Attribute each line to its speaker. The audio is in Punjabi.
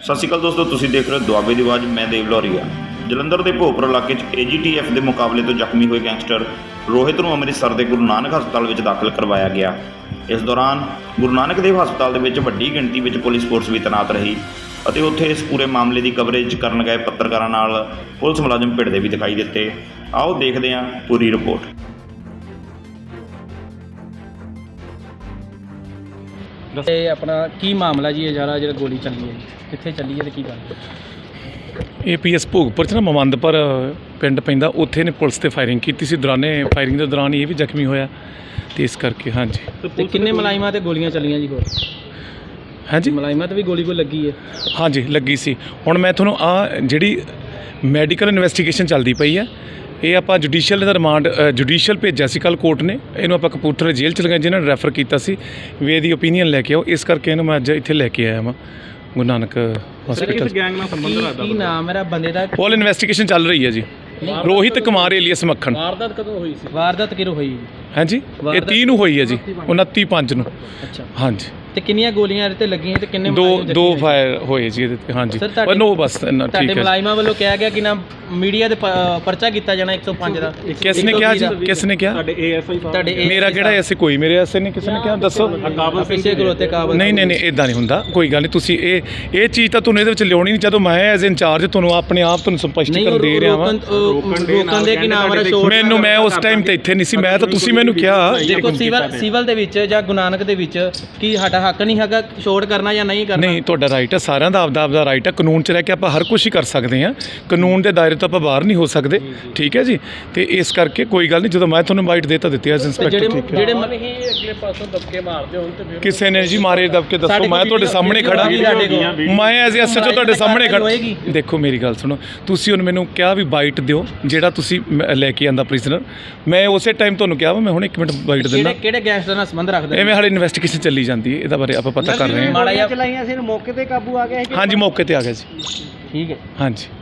Speaker 1: ਸਤਿ ਸ਼੍ਰੀ ਅਕਾਲ ਦੋਸਤੋ, ਤੁਸੀਂ ਦੇਖ ਰਹੇ ਹੋ ਦੁਆਬੇ ਦੀ ਆਵਾਜ਼। ਮੈਂ ਦੇਵ ਲੋਰੀਆ। ਜਲੰਧਰ ਦੇ ਭੋਪਰ ਇਲਾਕੇ 'ਚ AGTF ਦੇ ਮੁਕਾਬਲੇ ਤੋਂ ਜ਼ਖਮੀ ਹੋਏ ਗੈਂਗਸਟਰ ਰੋਹਿਤ ਨੂੰ ਅੰਮ੍ਰਿਤਸਰ ਦੇ ਗੁਰੂ ਨਾਨਕ ਹਸਪਤਾਲ ਵਿੱਚ ਦਾਖਲ ਕਰਵਾਇਆ ਗਿਆ। ਇਸ ਦੌਰਾਨ ਗੁਰੂ ਨਾਨਕ ਦੇਵ ਹਸਪਤਾਲ ਦੇ ਵਿੱਚ ਵੱਡੀ ਗਿਣਤੀ ਵਿੱਚ ਪੁਲਿਸ ਫੋਰਸ ਵੀ ਤੈਨਾਤ ਰਹੀ ਅਤੇ ਉੱਥੇ ਇਸ ਪੂਰੇ ਮਾਮਲੇ ਦੀ ਕਵਰੇਜ ਕਰਨ ਗਏ ਪੱਤਰਕਾਰਾਂ ਨਾਲ ਪੁਲਿਸ ਮੁਲਾਜ਼ਮ ਭਿੜਦੇ ਵੀ ਦਿਖਾਈ ਦਿੱਤੇ। ਆਓ ਦੇਖਦੇ ਹਾਂ ਪੂਰੀ ਰਿਪੋਰਟ।
Speaker 2: ਇਹ ਆਪਣਾ ਕੀ ਮਾਮਲਾ ਜੀ? ਇਹ ਜਿਹੜਾ ਗੋਲੀ ਚੱਲੀ ਹੈ, ਕਿੱਥੇ ਚੱਲੀ ਹੈ ਤੇ ਕੀ ਗੱਲ?
Speaker 3: ਇਹ PS ਭੋਗਪੁਰ 'ਚ ਨਾ ਮਮੰਦਪੁਰ ਪਿੰਡ ਪੈਂਦਾ, ਉੱਥੇ ਨੇ ਪੁਲਿਸ 'ਤੇ ਫਾਇਰਿੰਗ ਕੀਤੀ ਸੀ। ਫਾਇਰਿੰਗ ਦੇ ਦੌਰਾਨ ਇਹ ਵੀ ਜ਼ਖਮੀ ਹੋਇਆ ਤੇ ਇਸ ਕਰਕੇ ਹਾਂਜੀ।
Speaker 2: ਤੇ ਕਿੰਨੇ ਮੁਲਾਜ਼ਮਾਂ ਤੇ ਗੋਲੀਆਂ ਚੱਲੀਆਂ ਜੀ? ਹੋਰ
Speaker 3: ਹਾਂਜੀ,
Speaker 2: ਮੁਲਾਜ਼ਮਾਂ ਤੇ ਵੀ ਗੋਲੀ ਲੱਗੀ ਹੈ?
Speaker 3: ਹਾਂਜੀ ਲੱਗੀ ਸੀ। ਹੁਣ ਮੈਂ ਤੁਹਾਨੂੰ ਜਿਹੜੀ ਮੈਡੀਕਲ ਇਨਵੈਸਟੀਗੇਸ਼ਨ ਚੱਲਦੀ ਪਈ ਹੈ, ਇਹ ਆਪਾਂ ਜੁਡੀਸ਼ੀਅਲ ਦਾ ਰਿਮਾਂਡ ਜੁਡੀਸ਼ੀਅਲ ਭੇਜਿਆ ਸੀ ਕੱਲ੍ਹ ਕੋਰਟ ਨੇ। ਇਹਨੂੰ ਆਪਾਂ ਕਪੂਰਥਲੇ ਜੇਲ੍ਹ 'ਚ ਲਗਾਇਆ, ਜਿਹਨਾਂ ਨੇ ਰੈਫਰ ਕੀਤਾ ਸੀ ਵੀ ਇਹਦੀ ਓਪੀਨੀਅਨ ਲੈ ਕੇ ਆਓ। ਇਸ ਕਰਕੇ ਇਹਨੂੰ ਮੈਂ ਅੱਜ ਇੱਥੇ ਲੈ ਕੇ ਆਇਆ ਵਾਂ ਗੁਰੂ ਨਾਨਕ ਹਸਪੀਟਲ।
Speaker 2: ਗੈਂਗ ਨਾਲ ਸੰਬੰਧ ਰੱਖਦਾ? ਕੀ ਨਾਮ ਮੇਰਾ ਬੰਦੇ ਦਾ?
Speaker 3: ਪੋਲ ਇਨਵੈਸਟੀਗੇਸ਼ਨ ਚੱਲ ਰਹੀ ਹੈ ਜੀ। ਰੋਹਿਤ ਕੁਮਾਰ ਏਲੀਅਸ ਮੱਖਣ।
Speaker 2: ਵਾਰਦਾਤ ਕਦੋਂ ਹੋਈ ਸੀ? ਵਾਰਦਾਤ ਕਿਰੋ ਹੋਈ?
Speaker 3: ਹਾਂਜੀ, ਇਹ 30 ਨੂੰ ਹੋਈ ਹੈ ਜੀ, 29/5 ਨੂੰ।
Speaker 2: ਅੱਛਾ,
Speaker 3: ਹਾਂਜੀ।
Speaker 2: ਤੇ ਕਿੰਨੀਆਂ ਗੋਲੀਆਂ ਇਹਦੇ ਤੇ ਲੱਗੀਆਂ ਤੇ ਕਿੰਨੇ?
Speaker 3: ਦੋ ਫਾਇਰ ਹੋਏ ਜੀ ਇਹਦੇ ਤੇ। ਹਾਂਜੀ, ਨੋ ਬਸ ਇੰਨਾ ਠੀਕ ਹੈ।
Speaker 2: ਤੁਹਾਡੇ ਮੁਲਾਜ਼ਮਾਂ ਵੱਲੋਂ ਕਿਹਾ ਗਿਆ ਕਿ ਨਾ ਮੀਡੀਆ ਦੇ ਪਰਚਾ ਕੀਤਾ ਜਾਣਾ 105 ਦਾ।
Speaker 3: ਕਿਸ ਨੇ ਕਿਹਾ ਜੀ? ਕਿਸ ਨੇ ਕਿਹਾ?
Speaker 2: ਤੁਹਾਡੇ ASI?
Speaker 3: ਮੇਰਾ ਕਿਹੜਾ ਐਸੇ ਕੋਈ ਮੇਰੇ ਐਸੇ ਨਹੀਂ ਕਿਸੇ ਨੇ ਕਿਹਾ, ਦੱਸੋ।
Speaker 2: ਪਿੱਛੇ ਖਲੋਤੇ ਕਾਬਲ?
Speaker 3: ਨਹੀਂ ਇਦਾਂ ਨਹੀਂ ਹੁੰਦਾ, ਕੋਈ ਗੱਲ ਨਹੀਂ। ਤੁਸੀਂ ਇਹ ਚੀਜ਼ ਤਾਂ ਤੁਹਾਨੂੰ ਇਹਦੇ ਵਿੱਚ ਲਿਆਉਣੀ ਨਹੀਂ। ਜਦੋਂ ਮੈਂ ਐਜ਼ ਇੰਚਾਰਜ ਤੁਹਾਨੂੰ ਆਪਣੇ ਆਪ ਤੁਹਾਨੂੰ ਸਪਸ਼ਟੀਕਰਨ ਦੇ ਰਿਹਾ ਵਾਂ।
Speaker 2: ਰੋਕਣ ਦੇ ਕੀ ਨਾਮ?
Speaker 3: ਮੈਨੂੰ ਮੈਂ ਉਸ ਟਾਈਮ ਤੇ ਇੱਥੇ ਨਹੀਂ ਸੀ, ਮੈਂ ਤਾਂ ਤੁਸੀਂ ਮੈਨੂੰ ਕਿਹਾ।
Speaker 2: ਦੇਖੋ ਸਿਵਲ ਦੇ ਵਿੱਚ ਜਾਂ ਗੁਰੂ ਨਾਨਕ ਦੇ ਵਿੱਚ ਕੀ ਸਾਡਾ ਹੱਕ ਨਹੀਂ ਹੈਗਾ ਛੋੜ ਕਰਨਾ ਜਾਂ ਨਹੀਂ ਕਰਨਾ?
Speaker 3: ਨਹੀਂ, ਤੁਹਾਡਾ ਰਾਈਟ ਹੈ, ਸਾਰਿਆਂ ਦਾ ਆਪਦਾ ਰਾਈਟ ਹੈ। ਕਾਨੂੰਨ 'ਚ ਰਹਿ ਕੇ ਆਪਾਂ ਹਰ ਕੁਝ ਹੀ ਕਰ ਸਕਦੇ ਹਾਂ। ਕਾਨੂੰਨ ਦੇ ਦਾਇਰੇ ਤੋਂ ਆਪਾਂ ਬਾਹਰ ਨਹੀਂ ਹੋ ਸਕਦੇ, ਠੀਕ ਹੈ ਜੀ। ਤੇ ਇਸ ਕਰਕੇ ਕੋਈ ਗੱਲ ਨਹੀਂ, ਜਦੋਂ ਮੈਂ ਤੁਹਾਨੂੰ ਇਨਵਾਈਟ ਦੇ ਤਾਂ ਦਿੱਤੀ ਐਜ਼ ਇੰਸਪੈਕਟਰ। ਠੀਕ ਹੈ,
Speaker 2: ਜਿਹੜੇ ਅਗਲੇ ਪਾਸੋਂ ਦਬਕੇ ਮਾਰਦੇ ਹੋਣ ਤੇ
Speaker 3: ਕਿਸੇ ਨੇ ਜੀ ਮਾਰੇ ਦਬਕੇ? ਦੱਸੋ, ਮੈਂ ਤੁਹਾਡੇ ਸਾਹਮਣੇ ਖੜਾ, ਮੈਂ ਐਜ਼ SHO ਤੁਹਾਡੇ ਸਾਹਮਣੇ ਖੜਾ। ਦੇਖੋ ਮੇਰੀ ਗੱਲ ਸੁਣੋ, ਤੁਸੀਂ ਹੁਣ ਮੈਨੂੰ ਕਿਹਾ ਵੀ ਬਾਈਟ ਦਿਓ ਜਿਹੜਾ ਤੁਸੀਂ ਲੈ ਕੇ ਆਂਦਾ ਪ੍ਰਿਜ਼ਨਰ। ਮੈਂ ਉਸੇ ਟਾਈਮ ਤੁਹਾਨੂੰ ਕਿਹਾ ਵਾ ਮੈਂ ਹੁਣ 1 ਮਿੰਟ ਬਾਈਟ ਦਿੰਦਾ।
Speaker 2: ਕਿਹੜੇ ਗੈਂਗਸਟਰ ਨਾਲ ਸੰਬੰਧ ਰੱਖਦੇ?
Speaker 3: ਐਵੇਂ ਹਾਲੇ ਇਨਵੈਸਟੀਗੇਸ਼ਨ ਚੱਲੀ ਜਾਂਦੀ ਹੈ, ਇਹਦਾ ਬਾਰੇ ਆਪਾਂ ਪਤਾ ਕਰ ਰਹੇ ਹਾਂ।
Speaker 2: ਮਾੜਾ ਜਿਹਾ ਚਲਾਈਆਂ ਸੀ, ਮੌਕੇ ਤੇ ਕਾਬੂ ਆ ਗਿਆ?
Speaker 3: ਹਾਂਜੀ, ਮੌਕੇ ਤੇ ਆ ਗਿਆ ਜੀ।
Speaker 2: ਠੀਕ ਹੈ,
Speaker 3: ਹਾਂਜੀ।